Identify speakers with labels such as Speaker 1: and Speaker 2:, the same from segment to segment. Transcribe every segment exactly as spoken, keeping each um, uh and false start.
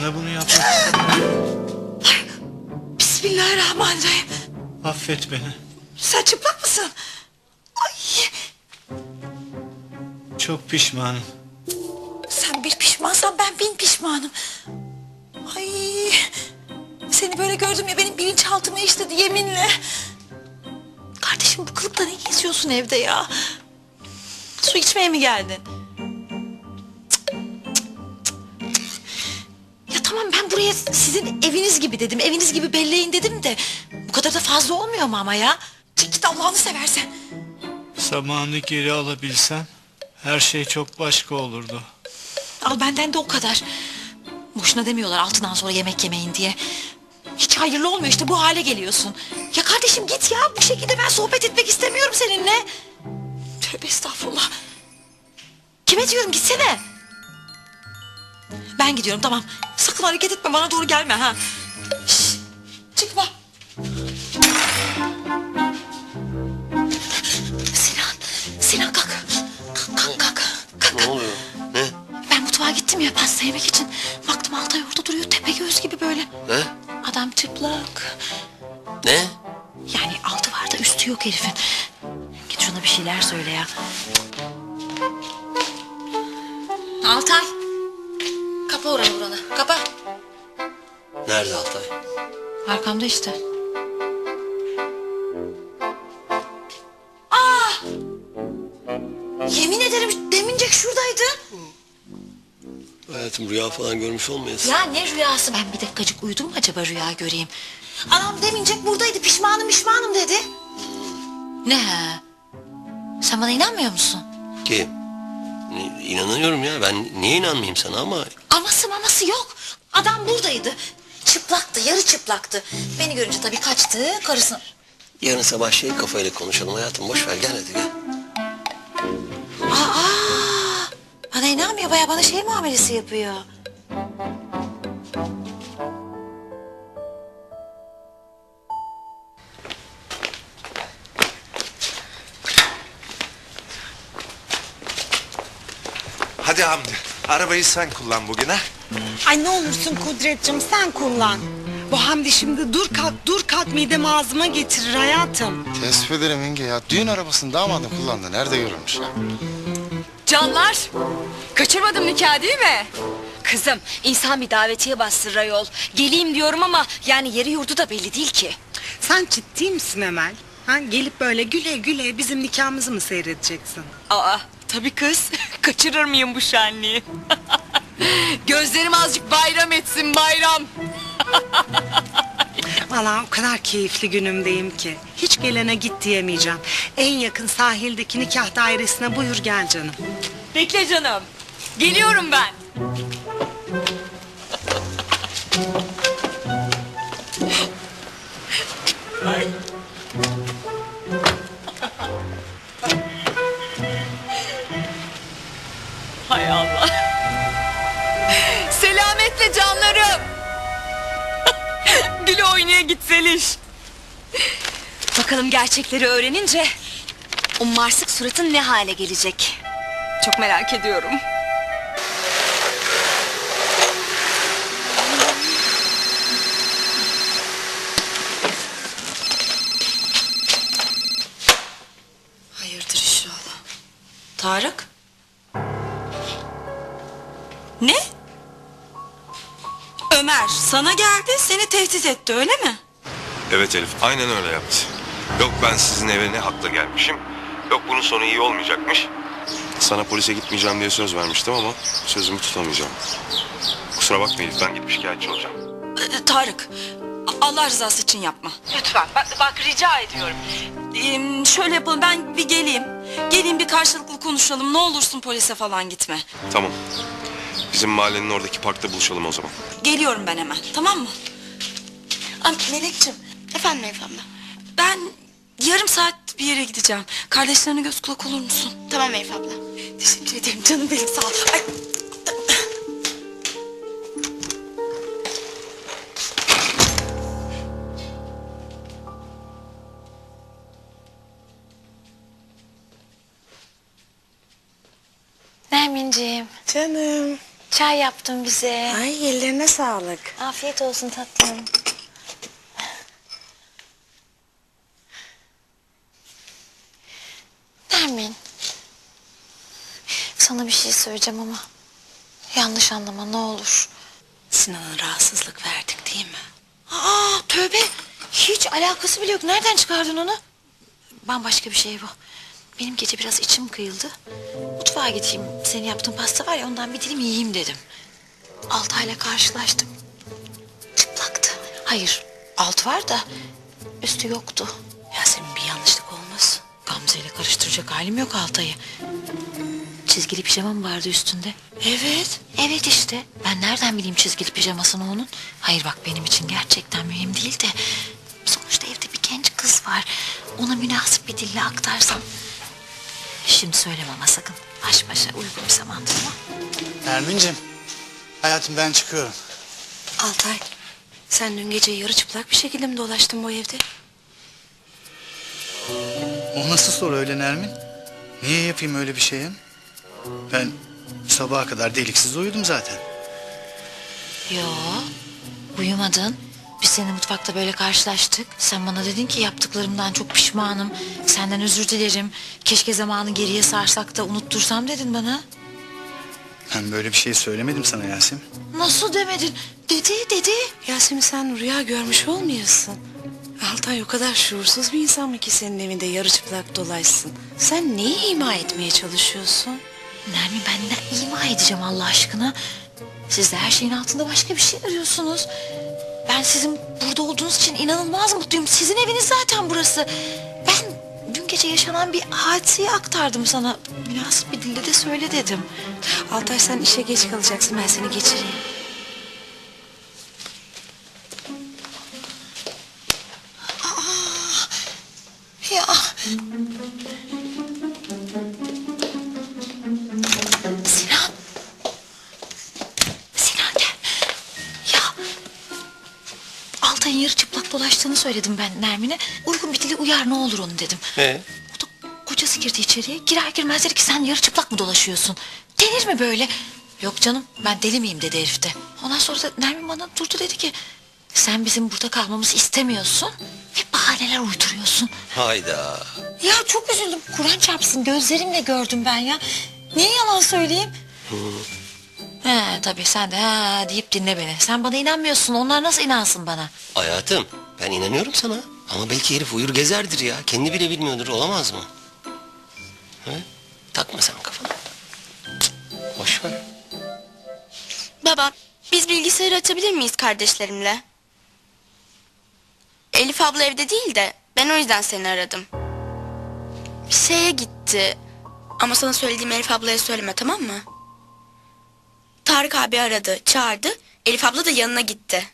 Speaker 1: sana bunu yapmak.
Speaker 2: Bismillahirrahmanirrahim.
Speaker 1: Affet beni.
Speaker 2: Sen çıplak mısın? Ay.
Speaker 1: Çok pişmanım.
Speaker 2: Sen bir pişmansan ben bin pişmanım. Ay. Seni böyle gördüm ya benim bilinçaltıma işledi yeminle. Kardeşim bu kılıkla ne geziyorsun evde ya? Su içmeye mi geldin? Ya tamam ben buraya sizin eviniz gibi dedim. Eviniz gibi belleyin dedim de. Bu kadar da fazla olmuyor mu ama ya? Çık git Allah'ını seversen.
Speaker 1: Zamanı geri alabilsem her şey çok başka olurdu.
Speaker 2: Al benden de o kadar. Boşuna demiyorlar altından sonra yemek yemeyin diye. Hiç hayırlı olmuyor işte bu hale geliyorsun. Ya kardeşim git ya bu şekilde ben sohbet etmek istemiyorum seninle. Tövbe estağfurullah. Kime diyorum gitsene. Ben gidiyorum tamam. Sakın hareket etme bana doğru gelme ha. Şişt, çıkma. Sinan, Sinan kalk. Kalk kalk kalk. kalk.
Speaker 3: Ne oluyor? Ne?
Speaker 2: Ben mutfağa gittim ya pasta yemek için. Baktım Altay orada duruyor tepe göz gibi böyle.
Speaker 3: Ne?
Speaker 2: Adam çıplak.
Speaker 3: Ne?
Speaker 2: Yani altı var da üstü yok herifin. Git şuna bir şeyler söyle ya. Altay. Kapa oranı buranı. Kapa.
Speaker 3: Nerede Altay?
Speaker 2: Arkamda işte. Aa! Yemin ederim demincek şuradaydı.
Speaker 3: Hayatım rüya falan görmüş olmayasın.
Speaker 2: Ya ne rüyası ben bir dakikacık uyudum mu acaba rüya göreyim. Anam demincek buradaydı pişmanım pişmanım dedi. Ne? Sen bana inanmıyor musun?
Speaker 3: Ki ne- inanıyorum ya ben niye inanmayayım sana ama
Speaker 2: Aması maması yok. Adam buradaydı. Çıplaktı yarı çıplaktı. Beni görünce tabii kaçtı karısını.
Speaker 3: yarın sabah şey kafayla konuşalım hayatım boş ver gel hadi gel.
Speaker 2: Aa, bana inanmıyor baya bana şey muamelesi yapıyor.
Speaker 4: Hadi Hamdi, arabayı sen kullan bugün ha.
Speaker 5: Ay ne olursun Kudretciğim sen kullan. Bu Hamdi şimdi dur kalk dur kalk midemi ağzıma getirir hayatım.
Speaker 6: Teessüf ederim yenge ya. Düğün arabasını damadın kullandı. Nerede görülmüş ya?
Speaker 7: Canlar, kaçırmadım nikah değil mi? Kızım, insan bir davetiye bastırır ayol. Geleyim diyorum ama yani yeri yurdu da belli değil ki.
Speaker 5: Sen ciddi misin Emel? Ha, gelip böyle güle güle bizim nikahımızı mı seyredeceksin?
Speaker 7: Aa, tabii kız. Kaçırır mıyım bu şenliği? Gözlerim azıcık bayram etsin bayram.
Speaker 5: Vallahi o kadar keyifli günümdeyim ki. Hiç gelene git diyemeyeceğim. En yakın sahildeki nikah dairesine buyur gel canım.
Speaker 7: Bekle canım. Geliyorum ben. Ay. Hay Allah. Selametle canlarım. Gül oynaya gitseliş. Bakalım gerçekleri öğrenince o marsık suratın ne hale gelecek? Çok merak ediyorum.
Speaker 2: Hayırdır inşallah. Tarık? Ne? Ömer sana geldi seni tehdit etti öyle mi?
Speaker 8: Evet Elif, aynen öyle yaptı. Yok ben sizin eve ne hakla gelmişim, yok bunun sonu iyi olmayacakmış. Sana polise gitmeyeceğim diye söz vermiştim ama sözümü tutamayacağım. Kusura bakma Elif, ben gidip şikayetçi olacağım.
Speaker 2: Ee, Tarık Allah rızası için yapma. Lütfen bak, bak rica ediyorum. Ee, şöyle yapalım ben bir geleyim. Geleyim bir karşılıklı konuşalım ne olursun polise falan gitme.
Speaker 8: Tamam. Bizim mahallenin oradaki parkta buluşalım o zaman.
Speaker 2: Geliyorum ben hemen tamam mı? Ay, Melekciğim. Efendim Elif abla. Ben yarım saat bir yere gideceğim. Kardeşlerine göz kulak olur musun? Tamam Elif abla. Teşekkür ederim canım benim sağ ol. Ay. Nerminciğim.
Speaker 5: Canım.
Speaker 2: Çay yaptım bize.
Speaker 5: Ay ellerine sağlık.
Speaker 2: Afiyet olsun tatlım. Nermin. Sana bir şey söyleyeceğim ama yanlış anlama ne olur.
Speaker 5: Sinan'a rahatsızlık verdik değil mi?
Speaker 2: Aa tövbe. Hiç alakası bile yok. Nereden çıkardın onu? Bambaşka bir şey bu. Benim gece biraz içim kıyıldı. Mutfağa gideyim. Senin yaptığın pasta var ya ondan bir dilim yiyeyim dedim. Altay'la karşılaştım. Çıplaktı. Hayır alt var da üstü yoktu.
Speaker 5: Yasemin bir yanlışlık olmasın.
Speaker 2: Gamze ile karıştıracak halim yok Altay'ı. Çizgili pijama mı vardı üstünde? Evet. Evet işte. Ben nereden bileyim çizgili pijamasını onun? Hayır bak benim için gerçekten mühim değil de... Sonuçta evde bir genç kız var. Ona münasip bir dille aktarsam... Şimdi söyleme ama sakın. Baş başa uygun bir zamandır ama.
Speaker 1: Nermin'cim, hayatım ben çıkıyorum.
Speaker 5: Altay, sen dün gece yarı çıplak bir şekilde mi dolaştın bu evde?
Speaker 1: O nasıl soru öyle Nermin? Niye yapayım öyle bir şeyi? Ben sabaha kadar deliksiz uyudum zaten.
Speaker 2: Yo, uyumadın. Biz seninle mutfakta böyle karşılaştık. Sen bana dedin ki yaptıklarımdan çok pişmanım. Senden özür dilerim. Keşke zamanı geriye sarsak da unuttursam dedin bana.
Speaker 1: Ben böyle bir şey söylemedim sana Yasemin.
Speaker 2: Nasıl demedin? Dedi dedi.
Speaker 5: Yasemin sen rüya görmüş olmayasın. Altay o kadar şuursuz bir insan mı ki senin evinde yarı çıplak dolaşsın? Sen neyi ima etmeye çalışıyorsun?
Speaker 2: Nermin ben ne ima edeceğim Allah aşkına? Siz de her şeyin altında başka bir şey arıyorsunuz. Ben sizin burada olduğunuz için inanılmaz mutluyum. Sizin eviniz zaten burası. Ben dün gece yaşanan bir hadiseyi aktardım sana. Münasip bir dilde de söyle dedim.
Speaker 5: Altay sen işe geç kalacaksın, ben seni geçireyim.
Speaker 2: Ya. Sinan. Sinan gel. Ya. Altay'ın yarı çıplak dolaştığını söyledim ben Nermin'e. Uygun bir dili uyar ne olur onu dedim.
Speaker 3: Ee?
Speaker 2: O da kocası girdi içeriye. Girer girmez dedi ki sen yarı çıplak mı dolaşıyorsun? Denir mi böyle? Yok canım ben deli miyim dedi herif de. Ondan sonra da Nermin bana durdu dedi ki... Sen bizim burada kalmamızı istemiyorsun ve bahaneler uyduruyorsun.
Speaker 3: Hayda.
Speaker 2: Ya çok üzüldüm. Kur'an çarpsın gözlerimle gördüm ben ya. Niye yalan söyleyeyim? He tabii sen de ha deyip dinle beni. Sen bana inanmıyorsun. Onlar nasıl inansın bana?
Speaker 3: Hayatım ben inanıyorum sana. Ama belki herif uyur gezerdir ya. Kendi bile bilmiyordur, olamaz mı? He? Takma sen kafana. Cık, boş ver.
Speaker 9: Baba, biz bilgisayarı açabilir miyiz kardeşlerimle? Elif abla evde değil de ben o yüzden seni aradım. Bir şeye gitti. Ama sana söylediğim Elif ablaya söyleme, tamam mı? Tarık abi aradı, çağırdı. Elif abla da yanına gitti.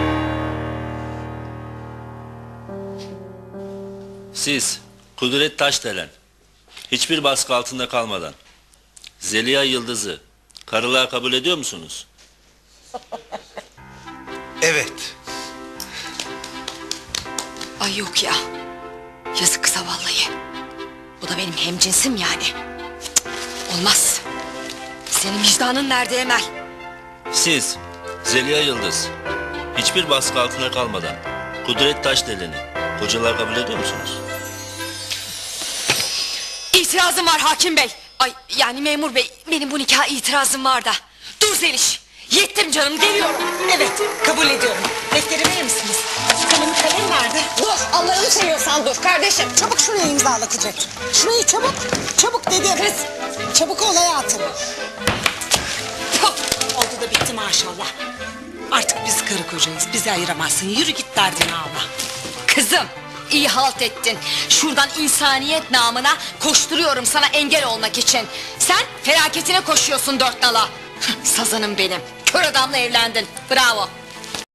Speaker 10: Siz Kudret Taşdelen, hiçbir baskı altında kalmadan Zeliha Yıldız'ı karılığa kabul ediyor musunuz?
Speaker 4: Evet.
Speaker 7: Ay yok ya. Yazık kıza vallahi. Bu da benim hemcinsim yani. Cık, olmaz. Senin vicdanın nerede Emel?
Speaker 10: Siz Zeliha Yıldız, hiçbir baskı altında kalmadan Kudret Taşdelen'i kocalar kabul ediyor musunuz?
Speaker 7: İtirazım var hakim bey. Ay yani memur bey, benim bu nikaha itirazım var da. Dur Zeliş. Yettim canım, geliyorum.
Speaker 5: Evet, kabul ediyorum. Defteri verir misiniz? Kalemi kalem nerede?
Speaker 7: Dur, Allah'ını seviyorsan dur kardeşim.
Speaker 5: Çabuk şuraya imzala Kudret. Şurayı çabuk, çabuk dedim. Kız. Çabuk olaya atın. Oldu da bitti maşallah. Artık biz karı kocayız, bizi ayıramazsın. Yürü git derdine Allah.
Speaker 7: Kızım, iyi halt ettin. Şuradan insaniyet namına koşturuyorum sana engel olmak için. Sen felaketine koşuyorsun dört nala. Sazanım benim. Kör adamla evlendin. Bravo.